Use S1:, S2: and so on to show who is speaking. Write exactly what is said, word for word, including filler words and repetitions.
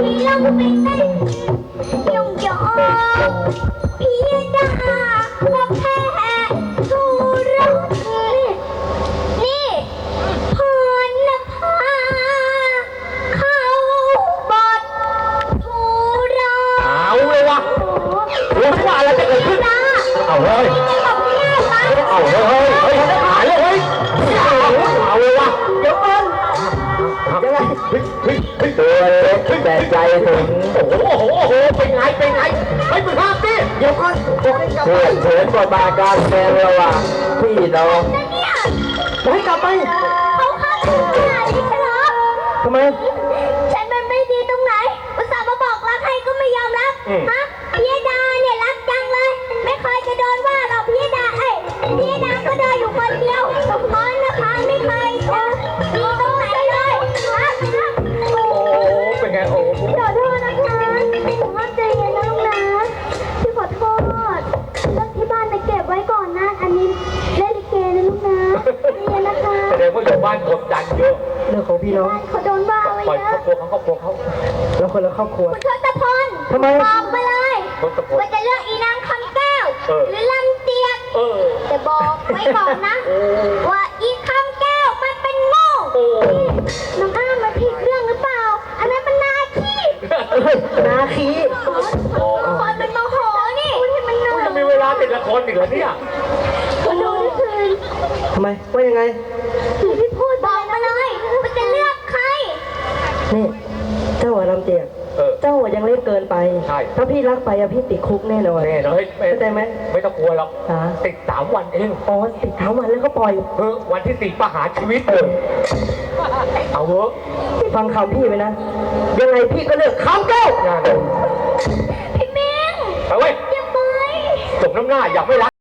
S1: ที่เราไปเต้นยองยองพี่ดาก็แพ้ทุรักนี่พรณภาเขาบดทุรัก
S2: เอาเลยวะรู้ว่าอะไรจะเกิดขึ้นเอาเลยเอาเลยเฮ้ยเฮ้ยหายเลยเฮ้ยเอาเลยวะเดี๋ยวมันยังไงเฮ้ยเฮ้ยเฮ้ยตัวเล็กแต่ใจถึงโอ้โหโอ้โหเป็นไงเป็นไงเฮ้ยมึงห้ามดิเดี๋ยวก่อนเพื่อนเพื่อนบทบาทการแสดงระหว่างพี่น้องจะให้กลับไป
S1: เขาฆ่าฉันขนาดนี้เหรอ
S2: ทำไม
S1: ฉันมันไม่ดีตรงไหนอุตส่าห์มาบอกรักให้ก็ไม่ยอมรับฮะพี่ดาเนี่ยรักจังเลยไม่เคยจะโดนว่าหรอกพี่ดาเอ้ยพี่ดาก็เดินอยู่คนเดียวสมมตินะคะไม่เคยเจอดีตรงไหนเลยฮะ
S2: โอ้เป็นไงโอ้
S1: ขอโทษนะคะผมว่าใจเย็นนะลูกนะพี่ขอโทษเรื่องที่บ้านไปเก็บไว้ก่อนนะอันนี้เล่นลิเกนะลูกนะใจเย็นนะคะ
S2: แสดงว่าอยู่บ้านกดดันเยอะ
S3: เรื่องของพี่น้อง
S1: เขาโดนบ้าไว้
S2: ปล่อยคร
S1: เย
S2: อบครัวเขาครอบครัวเขา
S3: แล้วคนละครอบครัว
S1: คุณทศพล
S3: ทำไม
S1: บอกมาเลยว่าจะเลือกอีนางคำแก้วหรือลำเจียกแต่บอกไว้ก่อนนะว่าอีคำแก้วมันเป็นโง่น้องอ้ามันผิดเรื่องหรือเปล่าอันนั้นมันนาคี
S3: นาคี
S1: คนเป็นโมโหนี่ที่มันหน่อย
S2: จะมีเวลาติดละครอีกเหรอเนี่ย
S1: คุณดูนี่คืน
S3: ทำไมว่ายังไง
S1: พี่พูดบอกมาเลยว่าจะเลือกใคร
S3: นี่เจ้าหัวลำเจียกเจ้ายังเล็กเกินไปถ้าพี่รักไปอะพี่ติดคุกแน่นอน
S2: แน่นอน
S3: เข้าใจไหม
S2: ไม่ต้องกลัวหรอกติดสามวันเอง
S3: อ๋อติดเท้าวันแล้วก็ปล่อย
S2: เออวันที่สี่ประหารชีวิตเลยเอาเถอะ
S3: ฟังคำพี่ไปนะยังไงพี่ก็เลือกคำแก้ว
S2: งาน
S1: พี่เมง
S2: ไปเว้ย
S1: อย่าไป
S2: สมน้ำหน้าอยากไม่รัก